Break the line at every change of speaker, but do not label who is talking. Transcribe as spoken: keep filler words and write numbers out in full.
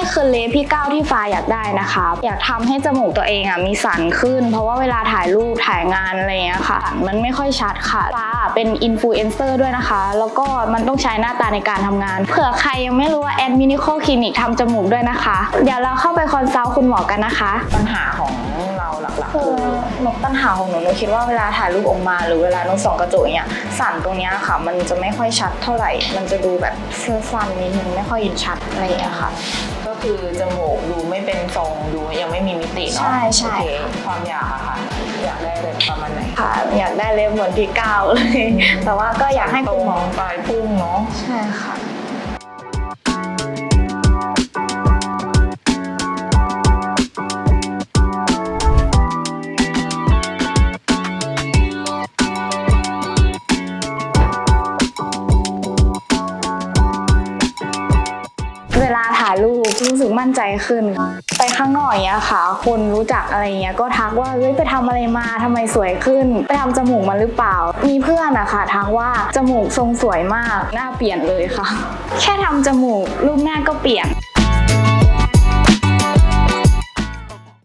คือเลฟพี่ก้าวที่ฟ้าอยากได้นะคะอยากทำให้จมูกตัวเองอ่ะมีสันขึ้นเพราะว่าเวลาถ่ายรูปถ่ายงานอะไรเงี้ยค่ะมันไม่ค่อยชัดค่ะฟ้าเป็นอินฟลูเอนเซอร์ด้วยนะคะแล้วก็มันต้องใช้หน้าตาในการทำงานเผื่อใครยังไม่รู้ว่าแอดมินิโคคลินิกทำจมูกด้วยนะคะเดี๋ยวเราเข้าไปคอนซัลท์คุณหมอกันนะคะ
ปัญหาของเราหลักๆคือ
หนูปัญหาของหนูหนูคิดว่าเวลาถ่ายรูปออกมาหรือเวลาหนูส่องกระจกอย่างเงี้ยสันตรงเนี้ยค่ะมันจะไม่ค่อยชัดเท่าไหร่มันจะดูแบบเสื้อสั้นนิดนึงไม่ค่อยชัดอะไรอย่างเงี้ยค่ะ
ก็คือจมูกดูไม่เป็นทรงดูยังไม่มีมิติเนาะ
ใช่ใช่
ความอยากอะค่ะอยากได้แบบประมาณไหน
ค่ะอยากได้เล็บเหมือนพี่ก้าวเลยแต่ว่าก็อยากให้คุณหมอ
ปลายพุ่งเนาะ
ใช่ค่ะเวลาถ่ายรูปรู้สึกมั่นใจขึ้นไปข้างนอกอย่างเงี้ยค่ะคนรู้จักอะไรเงี้ยก็ทักว่าเฮ้ยไปทำอะไรมาทำไมสวยขึ้นไปทำจมูกมาหรือเปล่ามีเพื่อนอะค่ะทักว่าจมูกทรงสวยมากหน้าเปลี่ยนเลยค่ะแค่ทำจมูกรูปหน้าก็เปลี่ยน